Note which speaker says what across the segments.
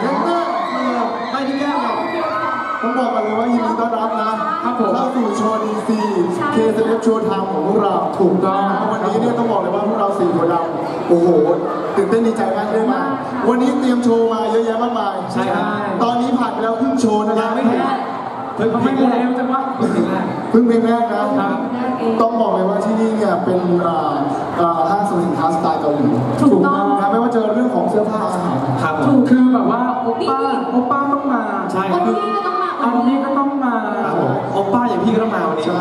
Speaker 1: เห็นไหมไม่ได้แก้หรอกต้องบอกกันเลยว่ายินดีต้อนรับนะเข้าสู่โชว์ดีซีเคสเอฟโชว์ทางของพวกเราถูกต้องวันนี้เนี่ยต้องบอกเลยว่าพวกเรา4คนเราโอ้โหตื่นเต้นดีใจมากเลยมาวันนี้เตรียมโชว์มาเยอะแยะมากมายใช่ครับตอนนี้ผ่านไปแล้วครึ่งโชว์นะครับไม่ถึงเพิ่งเพลงแรกจังวะเพิ่งเพลงแรกนะต้องบอกเลยว่าที่นี่เนี่ยเป็นห้างสรรพสินค้าสไตล์เกาหลีถูกต้องนะไม่ว่าจะเรื่องของเสื้อผ้าอาหารครับคือแบบว่าโอป้าต้องมาใช่คืออันนี้ก็ต้องมาโอป้าอย่างพี่ก็ต้องมาวันนี้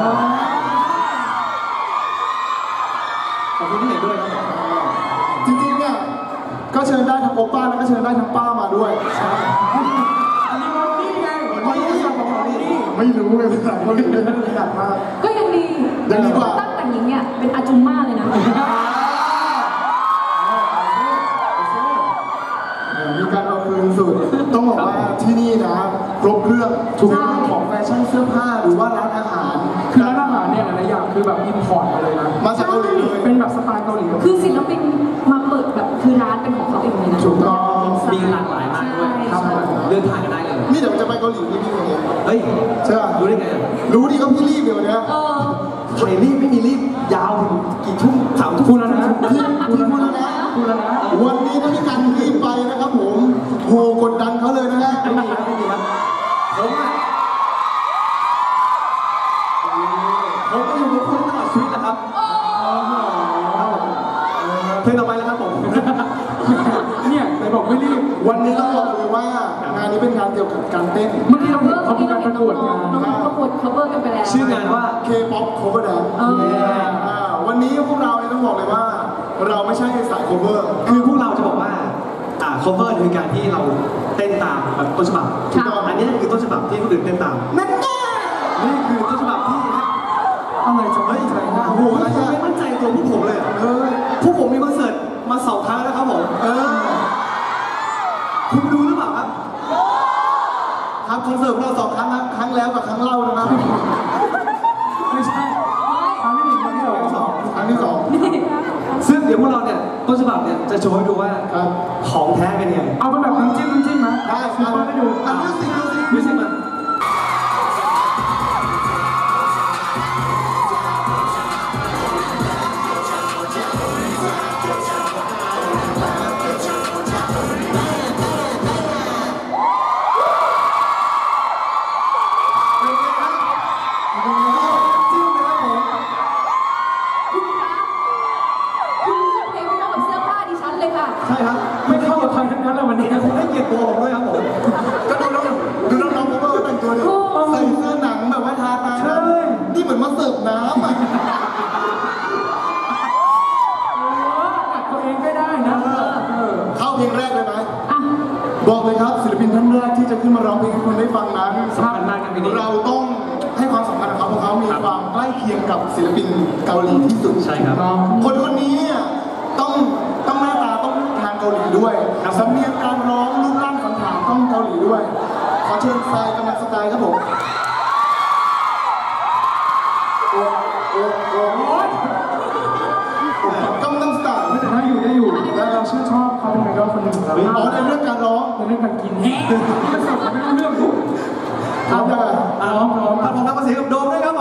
Speaker 1: ขอบคุณที่เห็นด้วยครับจริงๆเนี่ยก็เชิญได้ทั้งโอป้าแล้วก็เชิญได้ทั้งป้ามาด้วยไม่รู้เลยภาษาเกาหลีเลยขนาดมากก็ยังดีกว่าตั้งแต่งหญิงเนี่ยเป็นอาจุมม่าเลยนะมีการเอาคืนสุดต้องบอกว่าที่นี่นะครบเครื่องทุกเรื่องของแฟชั่นเสื้อผ้าหรือว่าร้านอาหารคือร้านอาหารเนี่ยหลายอย่างคือแบบอิมพอร์ตมาเลยนะมาจากเกาหลีเลยเป็นแบบสไตล์เกาหลีคือศิลปินมาเปิดแบบคือร้านเป็นของเขาเองเลยนะถูกต้องมีหลากหลายมากด้วยครับเลือกทานกันได้เลยนี่เดี๋ยวจะไปเกาหลีนี่พี่คนนี้เฮ้ยใช่ป่ะรู้ได้ไงรู้ดิก็พี่รีบเดี๋ยวนี้ใครรีบไม่มีรีบยาวถึงกี่ทุ่ม3 ทุ่มแล้วนะพี่พูดแล้วนะวันนี้ถ้าพี่กันรีบไปนะครับผมโหกดดันเขาเลยนะฮะไม่มีครับผมก็อยู่กับคุณตลอดชีวิตนะครับเพลงต่อไปแล้วครับผมเนี่ยไหนบอกไม่รีบวันนี้ต้องบอกเลยว่างานนี้เป็นงานเกี่ยวกับการเต้นเมื่อกี้เราเห็นเขามีการประกวดงานประกวด cover กันไปแล้วชื่องานว่า K-pop cover dance วันนี้พวกเราเนี่ยต้องบอกเลยว่าเราไม่ใช่สาย cover คือพวกเราจะบอกว่าcover คือการที่เราเต้นตามแบบต้นฉบับอันนี้คือต้นฉบับที่คนอื่นเต้นตามนั่นนี่คือต้นฉบับที่อะไรจะไม่ใจนะโอ้โหไม่มั่นใจตัวพวกผมเลยพวกผมมีคอนเสิร์ตมา2 ครั้งแล้วครับผมคุณดูหรือเปล่าครับครับคอนเสิร์ตเรา2 ครั้งนะครั้งแล้วกับครั้งเล่านะครับไม่ใช่ครั้งที่1ครั้งที่2ครั้งที่2ซึ่งเดี๋ยวพวกเราเนี่ยต้นฉบับเนี่ยจะโชว์ให้ดูว่าของแท้เป็นยังไงเอาเป็นแบบน้ำจิ้มนะได้ให้ดูมิวสิกมาใช่ครับไม่เข้ากับใครทั้งนั้นแล้ววันนี้ผมให้เกียรติตัวผมด้วยครับผมก็ดูน้องผมว่าแต่งตัวเนี่ยใส่เสื้อหนังแบบว่าทาตานี่เหมือนมาเสิร์ฟน้ำอ่ะกัดตัวเองไม่ได้นะเข้าเพลงแรกเลยไหมบอกเลยครับศิลปินท่านแรกที่จะขึ้นมาร้องเพลงให้คนได้ฟังนั้นสำคัญมากครับเราต้องให้ความสำคัญกับเขาเพราะเขามีความใกล้เคียงกับศิลปินเกาหลีที่สุดใช่ครับคนนี้ต้องหน้าตาต้องทางเกาหลีด้วยสำเนียงการร้องรูปร่างสันฐานต้องเกาหลีด้วยขอเชิญทรายกำลังสไตล์ครับผมกำลังสไตล์ไม่แต่ถ้าอยู่ได้อยู่และเราชื่นชอบเขาเป็นไอดอลคนหนึ่งครับอ๋อในเรื่องการร้องในเรื่องการกินที่มันสดไม่รู้เรื่องครับร้องพร้อมรับภาษีกับโดมด้วยครับ